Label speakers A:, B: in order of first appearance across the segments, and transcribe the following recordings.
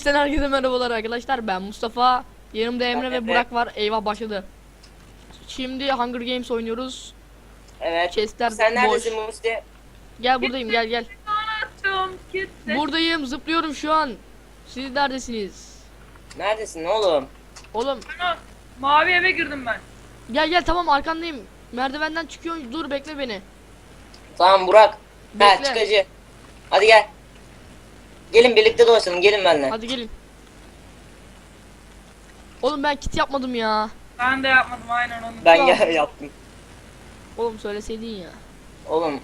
A: Twitch'ten herkese merhabalar arkadaşlar. Ben Mustafa. Yanımda Emre ve Burak var. Eyvah başladı. Şimdi Hunger Games oynuyoruz.
B: Evet.
A: Chestler
B: Sen
A: boş.
B: neredesin Musti?
A: Gel buradayım, gel.
C: Anlattım kitle.
A: Buradayım, zıplıyorum şu an. Siz neredesiniz?
B: Neredesin oğlum?
A: Oğlum
C: Mavi eve girdim ben.
A: gel tamam, arkandayım. Merdivenden çıkıyorsun, dur bekle beni.
B: Tamam Burak.
A: Bekle.
B: Ha çıkacı. Hadi gel. Gelin birlikte dolaşalım. Gelin benimle.
A: Hadi gelin. Oğlum ben kit yapmadım ya.
C: Ben de yapmadım aynen onu.
B: Ben
A: Tamam.
B: yaptım.
A: Oğlum söyleseydin ya.
B: Oğlum.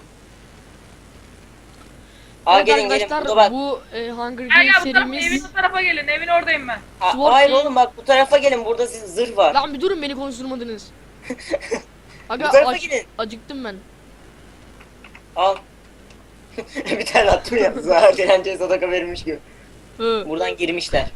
B: Aa
A: Evet
B: gelin gelin.
A: arkadaşlar,
B: Burada bak.
A: bu Hunger
C: Gel
A: Games
C: gel bu tarafa, evin
A: serimiz.
C: o tarafa gelin, evin oradayım ben.
A: Sword
B: Hayır
A: Game-
B: oğlum bak bu tarafa gelin. Burada zırh var.
A: Lan bir durun, beni konuşturmadınız. Aga
B: Bu tarafa gidin.
A: acıktım ben.
B: Al. Bir tane attım ya. Zahar direnceye sadaka verilmiş gibi.
A: Hı.
B: Buradan girmişler.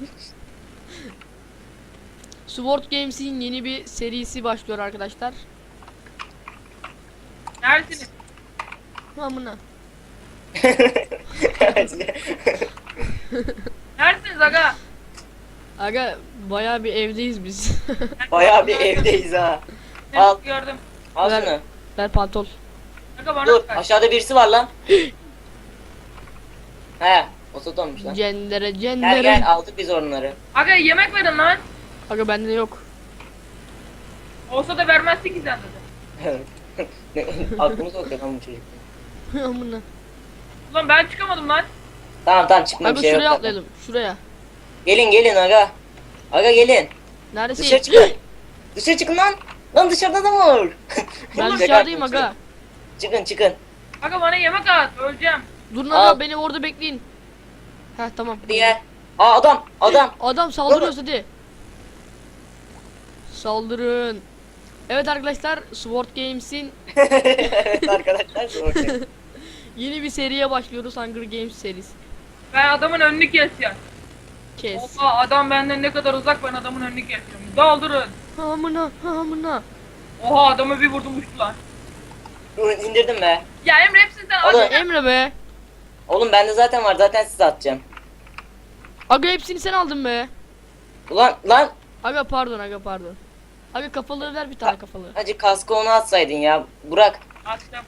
A: Sword Games'in yeni bir serisi başlıyor arkadaşlar.
C: Neredesiniz?
A: Amına.
C: Neredesiniz aga?
A: Aga bayağı bir evdeyiz biz.
B: Bayağı bir evdeyiz ha. Al.
C: Gördüm.
B: Al
A: Ver.
B: şunu.
A: Ver pantol.
C: Aga bana
B: Dur
C: bak.
B: aşağıda birisi var lan. He. O olmuş lan.
A: Cendere
B: Gel
A: cendere.
B: gel aldık biz onları.
C: Aga yemek verin lan.
A: Aga bende yok.
C: Olsa da vermezsin ki sen dedi.
B: Aklımı sokuyor lan bu çocuk.
A: Amına.
C: Ulan ben çıkamadım lan.
B: Tamam çıkma
A: Aga
B: bir şey yok.
A: şuraya
B: zaten.
A: atlayalım. Şuraya.
B: Gelin aga. Aga gelin.
A: Neredesin?
B: Dışarı çıkın. Dışarı çıkın lan. Lan dışarıda da mı var?
A: Ben
B: Şaka
A: dışarıdayım
B: yaptım,
A: aga.
B: Çıkın.
C: Aga bana yemek at, öleceğim.
A: Durun
B: Al.
A: aga, beni orada bekleyin. Heh tamam.
B: Hadi gel. Aa adam.
A: Adam saldırıyoruz hadi. Saldırın. Evet arkadaşlar, Sword Games'in
B: Evet arkadaşlar. Doğru.
A: yeni bir seriye başlıyoruz. Hunger Games serisi.
C: Ben adamın önünü keseceğim.
A: Kes.
C: Oha adam benden ne kadar uzak, ben adamın önünü kesiyorum. Daldırın.
A: Amına.
C: Oha adamı bir vurdum uçtu lan.
B: Dur indirdim be.
C: Ya Emre hepsini sen
B: Oğlum.
C: aga.
A: Emre be.
B: Oğlum bende zaten var. Zaten size atacağım.
A: Aga hepsini sen aldın be.
B: Lan.
A: Aga pardon. Aga kafaları ver, bir tane kafalı.
B: Hacı kaskı onu atsaydın ya.
C: Attım.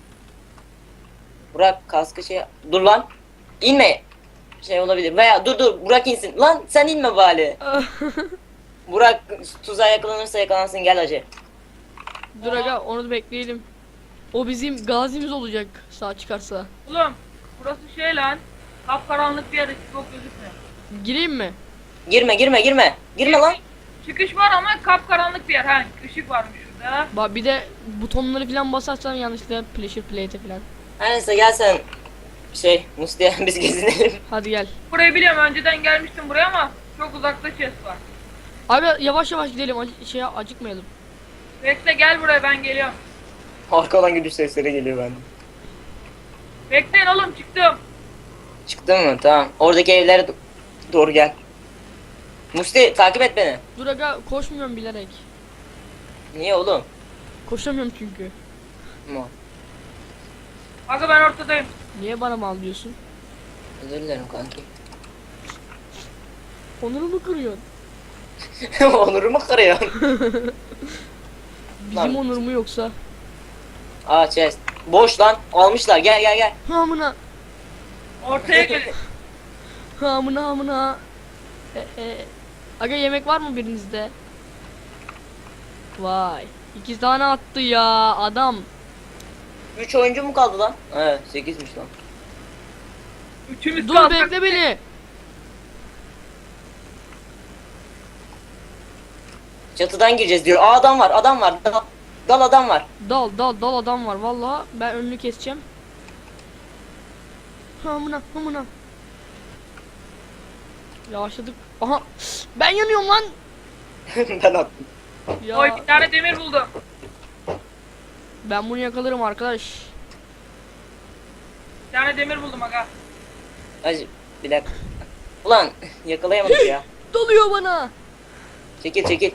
B: Burak kaskı şey. Dur lan. İnme. Şey olabilir. Veya dur Burak insin. Lan sen inme bari. Burak tuzağa yakalanırsa yakalansın gel hacı.
A: Dur aga, onu da bekleyelim. O bizim gazimiz olacak sağ çıkarsa.
C: Oğlum burası şey lan. Kapkaranlık bir yer, çok gözükmüyor.
A: Gireyim mi?
B: Girme. Girme lan.
C: Çıkış var ama kapkaranlık bir yer. Ha ışık varmış şurada.
A: Bak bir de butonları falan basarsan yanlışlıkla pleasure plate'e falan.
B: Her neyse gel sen. Musti'ye biz gezinelim.
A: Hadi gel.
C: Burayı biliyorum, önceden gelmiştim buraya ama çok uzakta chest var.
A: Aga yavaş gidelim, acıkmayalım.
C: Bekle gel buraya, ben geliyorum.
B: Arkadan gülüş sesleri geliyor bende.
C: Bekleyin oğlum, çıktım.
B: Çıktın mı? Tamam. Oradaki evlere doğru gel. Musti takip et beni.
A: Dur aga, koşmuyorum bilerek.
B: Niye oğlum?
A: Koşamıyorum çünkü.
B: Tamam.
C: Aga ben ortadayım.
A: Niye bana mal diyorsun?
B: Özür dilerim kanki.
A: Onurumu kırıyorsun.
B: Onurumu kırıyorsun.
A: Bizim
B: Lan.
A: onurumu yoksa.
B: Aa chest. Boş lan. Almışlar. Gel.
A: Amına.
C: Ortaya gelin.
A: Amına. Aga yemek var mı birinizde? Vay. 2 tane attı ya adam.
B: 3 oyuncu mu kaldı lan? Evet 8'miş lan.
C: Üçümüz
A: Dur
C: kaldık.
A: bekle beni.
B: Çatıdan gireceğiz diyor. Aa adam var. Dal adam var.
A: Dal adam var vallahi, ben önünü keseceğim. Amına. Yavaşladık. Aha. Ben yanıyorum lan.
B: Ben attım.
A: Ya
C: Oy bir tane demir buldum.
A: ben bunu yakalarım arkadaş.
C: Bir tane demir buldum aga.
B: Hacı bir dakika. Ulan yakalayamadık ya.
A: Doluyor bana.
B: Çekil.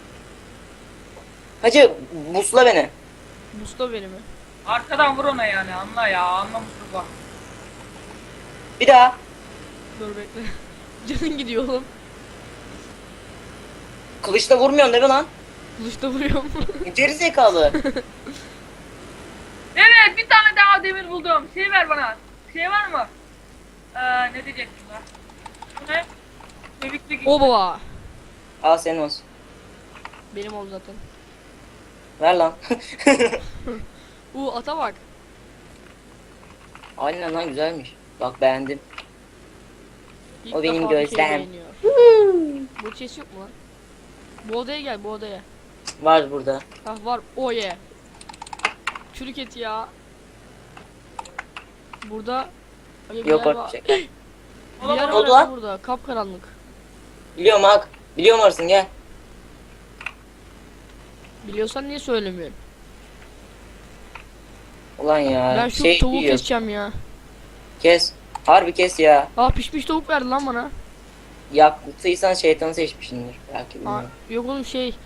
B: Hacı busla beni.
A: Mustafa beni mi?
C: Arkadan vur ona yani, anla ya, anla Mustafa.
B: Bir daha.
A: Dur bekle. Canın gidiyor oğlum.
B: Kılıçla vurmuyorsun değil mi lan?
A: Kılıçta vuruyorum.
B: Geri zekalı.
C: Evet, bir tane daha demir buldum. Şey ver bana. Şey var mı? Ne diyecektim lan? Bu ne? Çeviklik.
A: O baba.
B: Al senin olsun.
A: Benim oldu zaten.
B: Ver lan.
A: Ata bak.
B: Aynen lan, güzelmiş. Bak beğendim.
A: İlk
B: O benim
A: defa bir şey
B: gözlem.
A: beğeniyor. Bu ses yok mu lan? Bu odaya gel, bu odaya.
B: Var burada.
A: Ah var, o ye. Çürük et ya. Burada bir
B: Yok
A: yer
B: orada
A: var.
B: şeker.
A: Bir yer
B: Ne
A: var
B: oldu
A: aga
B: lan?
A: burada, kapkaranlık.
B: Biliyorum Hak. Biliyorum orasını, gel.
A: Biliyorsan niye söylemiyorsun?
B: Ulan ya.
A: Ben şu
B: şey
A: tavuğu
B: yiyor.
A: keseceğim ya.
B: Kes. Harbi kes ya.
A: Pişmiş tavuk verdi lan bana.
B: Yaktıysan şeytanı seçmişsindir. Belki
A: Aa,
B: bilmiyorum.
A: yok oğlum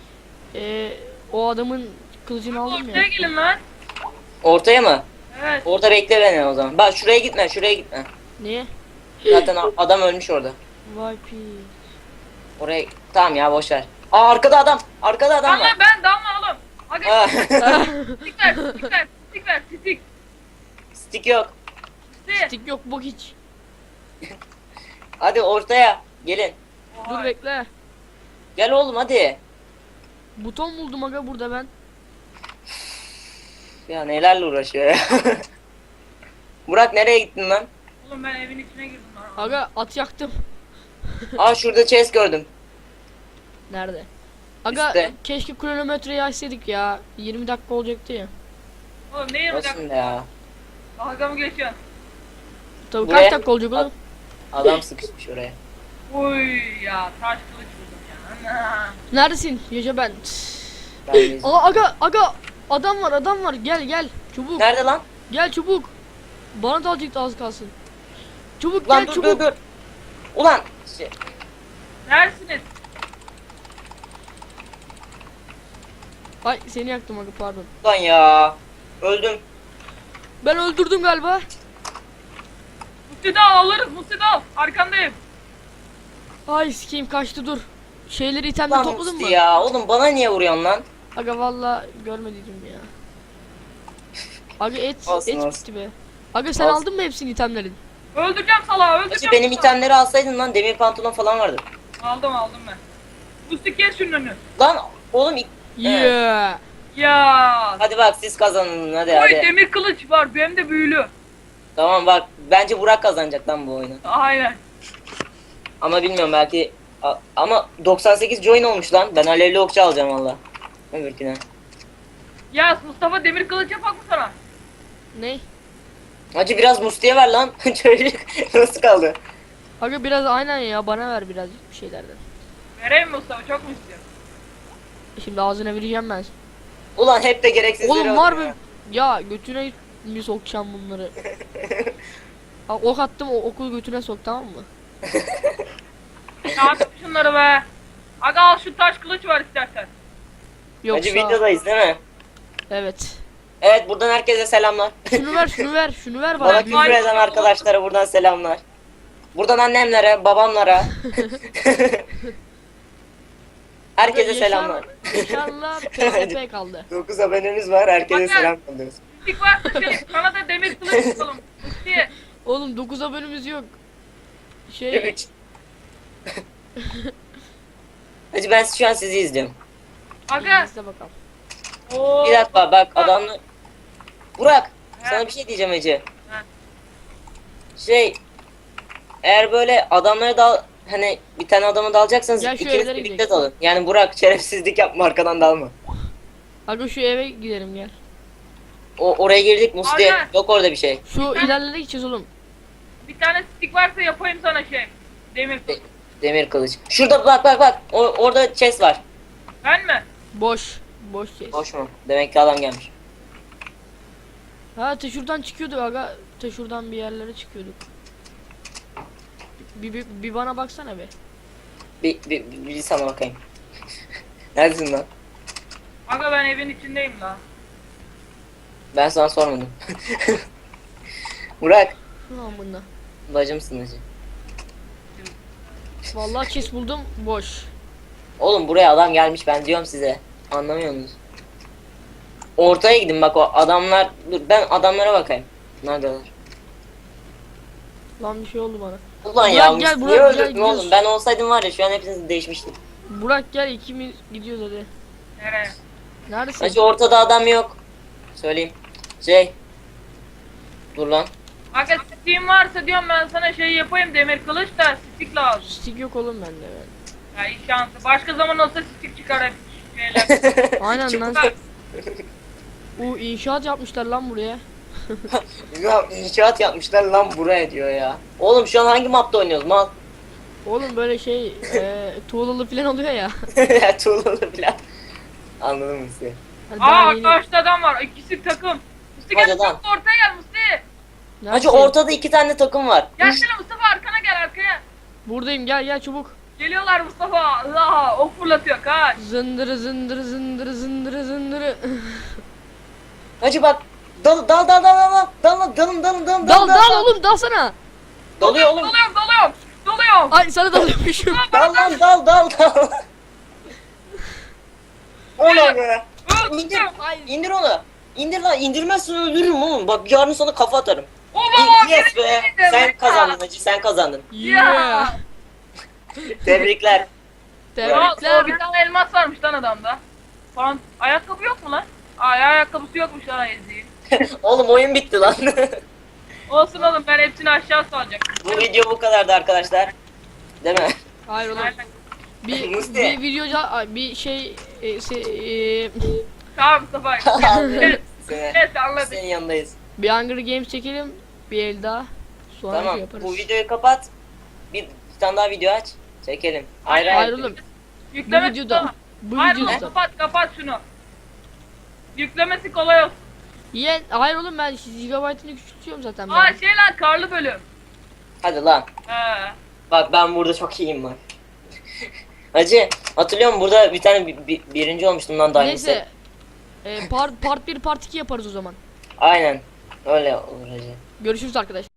A: o adamın kılıcını aldım
C: Ortaya
A: ya.
C: gelin lan.
B: Ortaya mı?
C: Evet.
B: Orta bekle beni o zaman. Bak şuraya gitme, şuraya gitme.
A: Niye?
B: Zaten adam ölmüş orada.
A: Vay pi.
B: Oraya tamam ya, boş ver. Aa, arkada adam. Arkada adam
C: Dalma
B: var.
C: ben dalma oğlum. Aga
B: Ha.
C: stick ver, stick ver, stick ver, stick.
B: Stick yok.
C: Stick.
A: Tik yok bok hiç.
B: Hadi ortaya gelin.
A: Dur bekle.
B: Gel oğlum hadi.
A: Buton buldum aga burada ben.
B: Ya nelerle uğraşıyor ya. Burak nereye gittin lan?
C: Oğlum ben evin içine girdim lan.
A: Aga at yaktım.
B: Aa, şurada chest gördüm.
A: Nerede? Aga
B: İşte.
A: keşke kronometreyi açsaydık ya. 20 dakika olacaktı ya.
C: Oğlum ne yapacak?
B: Olsun ya.
C: Dalga mı geçiyorsun?
A: Tabii
B: Buraya-
A: kaç dakika olacak oğlum?
B: Adam sıkışmış oraya.
C: Uy ya taş kılıç buldum ya. Ana.
A: Neredesin? Yaşa ben.
B: Ben de-
A: Aga adam var gel gel çabuk
B: Nerede lan?
A: gel çabuk. Bana da alacaktı az kalsın. Çabuk
B: Lan
A: gel
B: dur
A: çabuk.
B: dur dur. Ulan.
C: Neredesiniz?
A: Ay seni yaktım aga pardon.
B: Ulan ya. Öldüm.
A: Ben öldürdüm galiba.
C: Musti al alırız Musti al. Arkandayım.
A: Ay sikeyim kaçtı dur. Şeyleri itemleri
B: Lan
A: topladın
B: Musti
A: mı?
B: ya. Oğlum bana niye vuruyorsun lan?
A: Aga valla görmedim ya. Aga et
B: Olsun, olsun.
A: bitti be. Aga sen
B: Olsun.
A: aldın mı hepsini itemlerin?
C: Öldüreceğim salağı öldüreceğim.
B: Hacı benim
C: salağı.
B: itemleri alsaydın lan, demir pantolon falan vardı.
C: Aldım ben. Musti kes şunun önünü.
B: Lan oğlum
A: Yeah.
C: Ya.
B: hadi bak siz kazanın hadi
C: Oy
B: hadi.
C: demir kılıç var benim de büyülü.
B: Tamam bak, bence Burak kazanacak lan bu oyunu.
C: Aynen.
B: Ama bilmiyorum, belki ama 98 join olmuş lan. Ben alevli okçu alacağım valla. Öbürküne.
C: Ya Mustafa demir kılıç yapak mı sana?
A: Ne?
B: Hacı biraz Musti'ye ver lan. Çocuk nasıl kaldı?
A: Aga biraz aynen ya bana ver birazcık bir şeylerden.
C: Vereyim mi Mustafa çok mu istiyorsun?
A: Şimdi ağzına vereceğim ben.
B: Ulan hep de gereksiz.
A: Oğlum var mı? Ya götüne mi sokacağım bunları? Ok attım o oku götüne sok tamam mı?
C: Ne yapayım şunları be? Aga al şu taş kılıç var istersen.
B: Hacı
A: Yoksa
B: videodayız değil mi?
A: evet.
B: Evet, buradan herkese selamlar.
A: Şunu ver
B: Bana
A: bana.
B: küfür eden arkadaşlara buradan selamlar. Buradan annemlere, babamlara. Herkese selamlar.
A: Yaşarlar PSP kaldı.
B: 9 abonemiz var, herkese
C: Bakın.
B: selam gönderiyoruz.
C: Musti var sana da demir kılıç tutalım. Musti.
A: Oğlum 9 abonemiz yok. Şey
B: 3. Hacı ben şu an sizi izliyorum.
C: Aga.
A: izle bakalım.
C: Oo.
B: Bir dakika bak adamla... Burak,
C: He.
B: sana bir şey diyeceğim Hacı.
C: He.
B: Eğer böyle adamlara dal... Hani bir tane adamı dalacaksanız
A: Gel şu
B: ikiniz
A: evlere
B: birlikte
A: gidelim.
B: dalın. Yani Burak, şerefsizlik yapma, arkadan dalma.
A: Aga şu eve gidelim gel.
B: Oraya girdik Musti.
C: Aynen.
B: Yok orada bir şey.
A: Şu ilerlere gideceğiz oğlum.
C: Bir tane stick varsa yapayım sana şey. Demir kılıç.
B: Demir kılıç. Şurada bak. Orada chest var.
C: Ben mi?
A: Boş kes.
B: Boş mu? Demek ki adam gelmiş.
A: Ha şuradan çıkıyorduk aga. Şuradan bir yerlere çıkıyorduk. Bir bana baksana be.
B: Bir sana bakayım. Neredesin lan?
C: Aga ben evin içindeyim la.
B: Ben sana sormadım. Burak.
A: Şu amına.
B: Bacımsın Hacı.
A: Vallahi chest buldum boş.
B: Oğlum buraya adam gelmiş ben diyorum size. Anlamıyor musunuz? Ortaya gidin bak o adamlar. Dur ben adamlara bakayım. Neredeler?
A: Lan bir şey oldu bana.
B: Ulan
A: Burak,
B: ya
A: gel,
B: niye
A: Burak, gel,
B: öldürdün
A: gidiyoruz.
B: oğlum? Ben olsaydım var ya şu an hepiniz değişmiştim.
A: Burak gel ikimiz gidiyoruz hadi.
C: Nereye?
A: Neredesin?
B: Hacı ortada adam yok. Söyleyeyim. Şey. Dur lan.
C: Aga stick'in varsa diyorum ben sana şey yapayım demir kılıç da stick lazım.
A: Stick yok oğlum bende ben.
C: Ya iyi şansı. Başka zaman olsa stick çıkar hep şeyler.
A: Aynen lan.
C: Bak,
A: İnşaat yapmışlar lan buraya.
B: Ya inşaat yapmışlar lan buraya diyor ya. Oğlum şu an hangi mapta oynuyoruz mal?
A: Oğlum böyle şey tuğlalı falan oluyor ya.
B: Tuğlalı filan. Anladın mı size?
A: Hani
C: Aa
A: yeni-
C: karşıda adam var. İkisi takım. Musti
B: Hadi
C: gel
B: lan.
C: Musti ortaya gel Musti.
B: Hacı
A: Neredesin?
B: ortada 2 tane takım var.
C: Gelsene Mustafa arkana gel arkaya.
A: Buradayım gel çabuk.
C: Geliyorlar Mustafa. Allah ok fırlatıyor kaç.
A: Zındırı zındırı zındırı zındırı zındırı.
B: Hacı bak. Dal dal dal dal dal dal dalın dalın dalın
A: Dal oğlum dalsana.
B: Dalıyor oğlum.
C: Dalıyorum.
A: Ay sana dalıyormuşum.
B: Dal lan dal. Oğlum be. İndir. İndir onu. İndir lan indirmezsen öldürürüm oğlum. Bak yarın sana kafa atarım. Yes be. Sen kazandın hacı sen kazandın.
A: Yeah.
B: Tebrikler.
C: Ya,
A: Tebrikler.
C: bir tane elmas varmış lan adamda. Falan ayakkabı yok mu lan? Ayakkabısı yokmuş lan ezdiğin.
B: Oğlum oyun bitti lan.
C: Olsun oğlum ben hepsini aşağı salacağım.
B: Bu video bu kadardı arkadaşlar. Değil mi?
A: Hayır oğlum. Bir
B: Musti.
A: bir şey
C: Tamam Mustafa. Evet,
B: Seni.
C: evet anladık.
B: Senin yanındayız.
A: bir Hunger Games çekelim. Bir el daha. Sonra
B: Tamam.
A: şey yaparız.
B: Bu videoyu kapat. Bir tane daha video aç. Çekelim. Ayrı
A: Hayır
B: ayrı.
A: oğlum.
C: Yükleme
A: Bu videoda. Bu
C: Hayır
A: videoda.
C: oğlum kapat şunu. Yüklemesi kolay olsun.
A: Hayır oğlum ben gigabyte'ını küçültüyorum zaten ben.
C: Aa şey lan karlı bölüm.
B: Hadi lan.
C: He.
B: Bak ben burada çok iyiyim bak. Hacı hatırlıyor musun burada bir tane birinci olmuştum lan daha
A: Neyse. Part 1 part 2 yaparız o zaman.
B: Aynen. Öyle olur hacı.
A: Görüşürüz arkadaşlar.